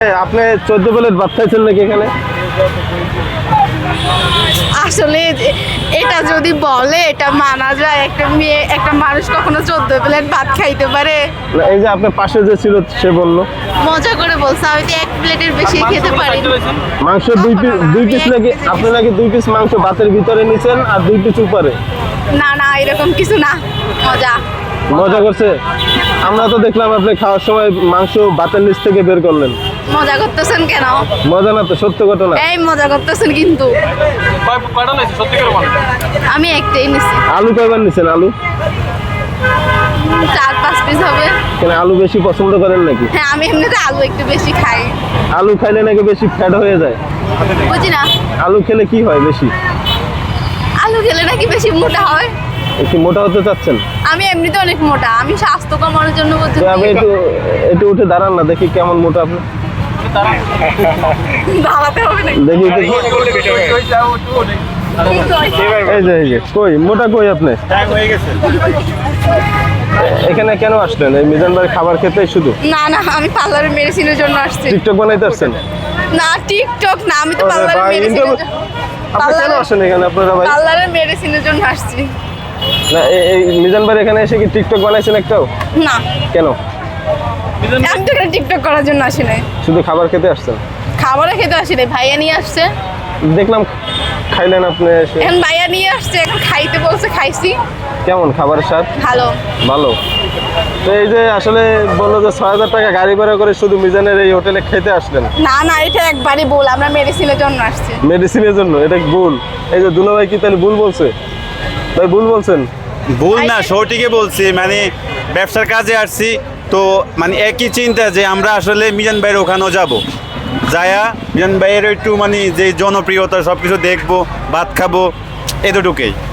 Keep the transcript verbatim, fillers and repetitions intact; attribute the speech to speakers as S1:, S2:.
S1: আপনি চোদ্দ প্লেট ভাত খাইছেন নাকি এখানে?
S2: আসলে এটা যদি বলে এটা মানা যায়, একটা মেয়ে একটা মানুষ কখনো চোদ্দ প্লেট ভাত খাইতে পারে?
S1: না, এই যে আপনার পাশে যে ছিল সে বললো
S2: মজা করে বলছে, আমি তো এক প্লেটের বেশি খেতে পারি।
S1: মাংস দুই পিস দুই পিস নাকি আপনি নাকি দুই পিস মাংস ভাতের ভিতরে নিছেন আর দুই পিস উপরে?
S2: না না এরকম কিছু না, মজা
S1: মজা করছে। আমরা তো দেখলাম আপনি খাওয়ার সময় মাংস ভাতের নিচ থেকে বের করলেন।
S2: মজা করতেছেন কেন?
S1: মজা না তো, সত্য ঘটনা।
S2: এই মজা করতেছেন কিন্তু। আমি একটাই নিছি।
S1: আলু কয়বার নিছেন? আলু
S2: চার পাঁচ পিস হবে।
S1: কেন, আলু বেশি পছন্দ করেন নাকি?
S2: হ্যাঁ আমি এমনিতে আলু একটু বেশি খাই।
S1: আলু খাইলে নাকি বেশি ফ্যাট হয়ে যায়?
S2: বুঝি না।
S1: আলু খেলে কি হয় বেশি?
S2: আলু খেলে নাকি বেশি মোটা হয়।
S1: একটু মোটা হতে চাচ্ছেন?
S2: আমি এমনিতে অনেক মোটা, আমি স্বাস্থ্য কমানোর জন্য বলছি।
S1: তো আপনি একটু একটু উঠে দাঁড়ান না, দেখি কেমন মোটা আপনি।
S2: দাঁড়াতে হবে না।
S1: দেখি একটু। এই যে এই যে কই মোটা কই আপনি? এখানে কেন আসলেন? এই মিজান ভাই খাবার খেতে শুধু?
S2: না না আমি পার্লারের মেডিসিনের জন্য আসছি।
S1: টিকটক বানাইতে আসছেন?
S2: না টিকটক না, আমি তো
S1: আরে
S2: পার্লারের
S1: ভাই,
S2: মেডিসিনের
S1: ইন্টারভিউ- আপনি কেন আসেন এখানে আপনারা ভাই?
S2: পার্লারের মেডিসিনের জন্য আসছি।
S1: না এই- এই মিজান ভাই এখানে এসে কি টিকটক বানাইছেন একটাও?
S2: না
S1: কেন?
S2: আমি তো এখানে টিকটক করার জন্য আসি নাই,
S1: শুধু খাবার খেতে আসছেন?
S2: খাবারও খেতে আসি নাই। ভাইয়া নিয়ে আসছে,
S1: দেখলাম খাইলেন আপনি এসে।
S2: এখন ভাইয়া নিয়ে আসছে, এখন খাইতে বলছে, খাইছি।
S1: কেমন খাবারের স্বাদ?
S2: ভালো।
S1: ভালো। তো এই যে আসলে বললো যে ছয় হাজার টাকা গাড়ি ভাড়া করে শুধু মিজানের এই হোটেলে খেতে আসলেন।
S2: না না এটা একবারই ভুল, আমরা মেডিসিনের জন্য আসছি।
S1: মেডিসিনের জন্য? এটা ভুল। এই যে দুলা ভাই কি তাহলে ভুল বলছে? ভাই ভুল বলছেন?
S3: ভুল না, সঠিকই বলছি। মানে ব্যবসার কাজে আসছি তো, মানে একই চিন্তা যে আমরা আসলে মিজান ভাইয়ের ওখানেও যাব, যায়া মিজান ভাইয়ের একটু মানে যে জনপ্রিয়তা সব কিছু দেখবো, ভাত খাবো, এতটুকুই।